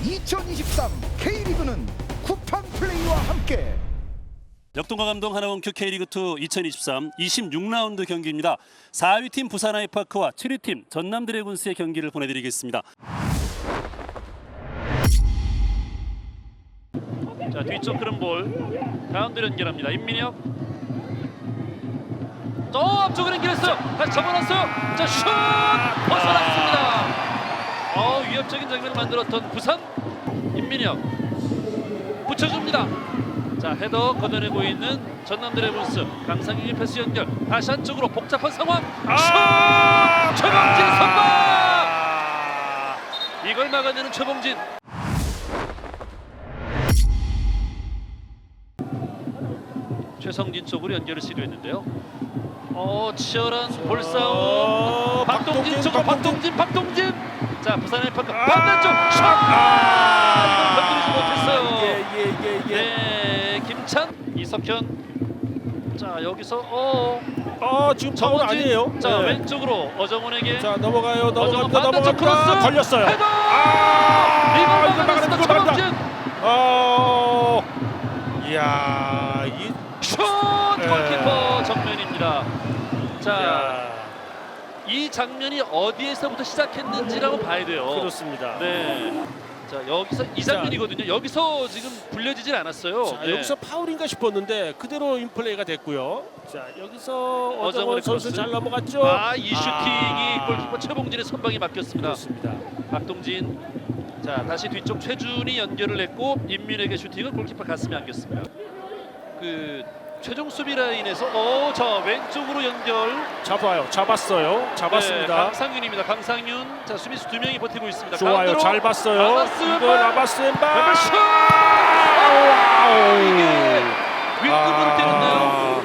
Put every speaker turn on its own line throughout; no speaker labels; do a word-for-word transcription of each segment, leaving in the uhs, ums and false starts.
이천이십삼 K리그는 쿠팡 플레이와 함께.
역동과 감동 하나원큐 K리그이 이천이십삼 이십육 라운드 경기입니다. 사 위 팀 부산 아이파크와 칠 위 팀 전남 드래곤스의 경기를 보내드리겠습니다.
자, 뒤쪽 흐름 볼 가운데로 연결합니다. 임민혁 또 앞쪽으로 연결했어요. 다시 접어놨어요. 자, 슛 벗어났습니다. 어, 위협적인 장면을 만들었던 부산. 임민혁 붙여줍니다. 자, 헤더 걷어내고 있는 전남 드래곤스. 강상윤이 패스 연결. 다시 한쪽으로 복잡한 상황. 슛! 최범진 선방! 이걸 막아내는 최범진. 최성진 쪽으로 연결을 시도했는데요. 어, 치열한 볼싸움.
어,
박동진
박동진,
쪽으로
박동진.
박동진. 박동진. 자, 부산의 파크
아,
반대쪽 슛! 아, 이걸 건드리지 못했어요.
예, 예, 예, 예.
네, 김찬, 이석현. 자, 여기서 어,
어, 지금 파울
정원진.
아니에요?
자,
네.
왼쪽으로 어정원에게.
자, 넘어가요.
어정원
넘어갑니다.
반대쪽
넘어갑니다.
크로스.
걸렸어요.
헤더!
아,
이걸
이걸
막아냈습니다.
막아내는 거 맞다.
최범진.
어. 이야, 이
슛!
네.
골키퍼 정면입니다. 자,
야,
이 장면이 어디에서부터 시작했는지라고 봐야 돼요.
그렇습니다.
네. 자, 여기서 이 장면이거든요. 여기서 지금 불려지질 않았어요.
자,
네.
여기서 파울인가 싶었는데 그대로 인플레이가 됐고요. 자, 여기서 어정원
어정원의
선수
크로스.
잘 넘어갔죠?
아, 이 슈팅이
아.
골키퍼 최봉진의 선방에 맡겼습니다.
그렇습니다.
박동진. 자, 다시 뒤쪽 최준이 연결을 했고 임민에게 슈팅을 골키퍼 가슴에 안겼습니다. 그 최종 수비 라인에서 어, 자, 왼쪽으로 연결.
잡아요. 잡았어요. 잡았습니다.
네, 강상윤입니다. 강상윤. 자, 수비수 두 명이 버티고 있습니다.
좋아요.
가운데로.
잘 봤어요.
라마스
이거
왼발.
라마스 왼발.
왼발 슛!
와우.
이게 윗구부를 때렸나요?
아,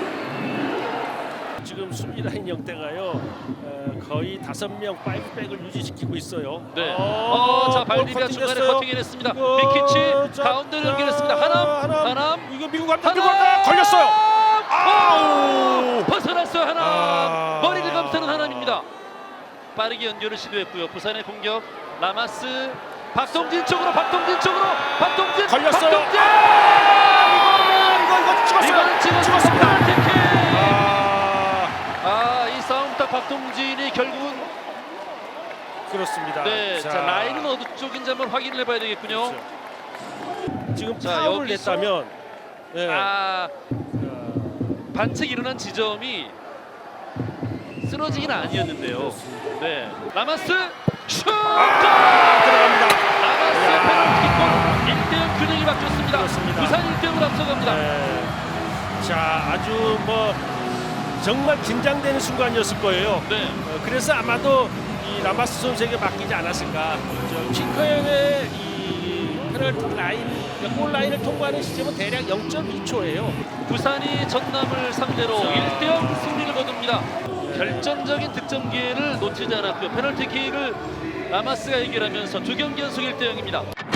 지금 수비 라인 형태가요. 어, 거의 다섯 명 파이브백을 유지시키고 있어요.
네.
어,
어, 자,
볼
발디비아
커팅
중간에
됐어요.
커팅해냈습니다.
이거,
미키치
자,
가운데로
자,
연결했습니다. 하남,
하남.
하남,
이거 미국 감독
하남.
미국 감독 걸렸어요.
아우! 벗어났어요. 하남.
아.
머리를 감싸는 하남입니다. 빠르게 연결을 시도했고요. 부산의 공격. 라마스, 박동진 쪽으로, 박동진 쪽으로, 박동진.
걸렸어요.
박동진.
이거 이거 찍었어요.
이거는 찍었습니다.
찍었습니다.
페널티킥.
아,
아, 이 싸움 딱 박동진이 결국은
그렇습니다.
네, 자, 라인은 어느 쪽인지 한번 확인을 해봐야 되겠군요.
그렇죠. 지금
자,
파울을
여기서-
냈다면 네.
아,
자,
반칙 일어난 지점이 쓰러지긴 아니었는데요. 네, 라마스 슛!
아, 들어갑니다.
라마스 페널티킥 일 대 영 균형이 바뀌었습니다.
그렇습니다.
부산 일 대 영으로 앞서갑니다.
네. 자, 아주 뭐 정말 긴장되는 순간이었을 거예요.
네,
어, 그래서 아마도 이 라마스 선수에게 맡기지 않았을까. 저 핑커의 이 페널티 라인, 골 라인을 통과하는 시점은 대략 영 점 이 초예요.
부산이 전남을 상대로
자.
일 대 영 승리를 거둡니다. 결정적인 득점 기회를 놓치지 않았고요. 페널티킥을 라마스가 해결하면서 두 경기 연속 일 대 영입니다.